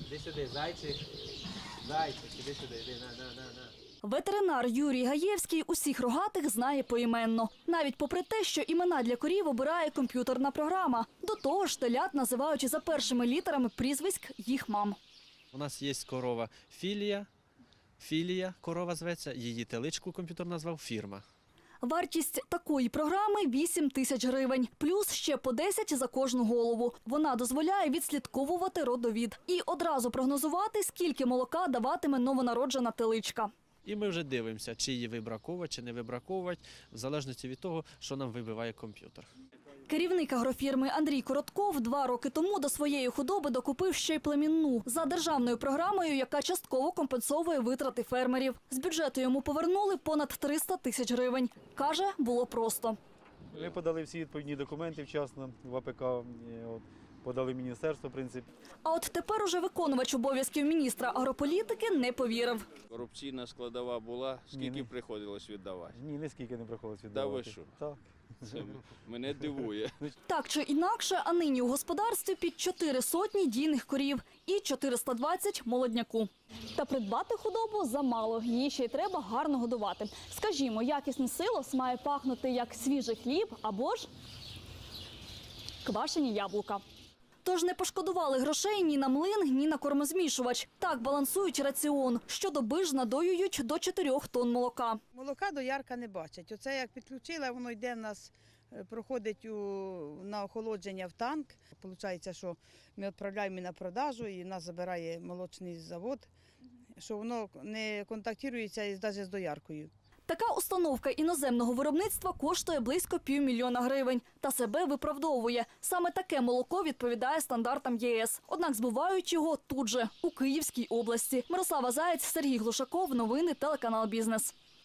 Іди сюди, зайчик. Зайчик, іди сюди, іди, на. Ветеринар Юрій Гаєвський усіх рогатих знає поіменно. Навіть попри те, що імена для корів обирає комп'ютерна програма. До того ж, телят називають за першими літерами прізвиськ їх мам. У нас є корова Філія корова зветься, її теличку комп'ютер назвав Фірма. Вартість такої програми – 8 тисяч гривень. Плюс ще по 10 за кожну голову. Вона дозволяє відслідковувати родовід. І одразу прогнозувати, скільки молока даватиме новонароджена теличка. І ми вже дивимося, чи її вибраковувати, чи не вибраковувати, в залежності від того, що нам вибиває комп'ютер. Керівник агрофірми Андрій Коротков 2 роки тому до своєї худоби докупив ще й племінну за державною програмою, яка частково компенсовує витрати фермерів. З бюджету йому повернули понад 300 тисяч гривень. Каже, було просто. Ми подали всі відповідні документи вчасно в АПК, подали в міністерство, в принципі. А от тепер уже виконувач обов'язків міністра агрополітики не повірив. Корупційна складова була, скільки приходилось віддавати? Ні, ніскільки не приходилось віддавати. Та ви що? Так. Це мене дивує. Так чи інакше, а нині у господарстві під 400 дійних корів і 420 молодняку. Та придбати худобу замало, її ще й треба гарно годувати. Скажімо, якісний силос має пахнути як свіжий хліб або ж квашені яблука. Тож не пошкодували грошей ні на млин, ні на кормозмішувач. Так балансують раціон. Щодоби ж надоюють до 4 тонн молока. Молока доярка не бачить. Оце як підключила, воно йде в нас, проходить на охолодження в танк. Получається, що ми відправляємо на продажу і нас забирає молочний завод, що воно не контактується навіть з дояркою. Така установка іноземного виробництва коштує близько 500 000 гривень. Та себе виправдовує. Саме таке молоко відповідає стандартам ЄС. Однак збувають його тут же, у Київській області. Мирослава Заєць, Сергій Глушаков. Новини телеканал «Бізнес».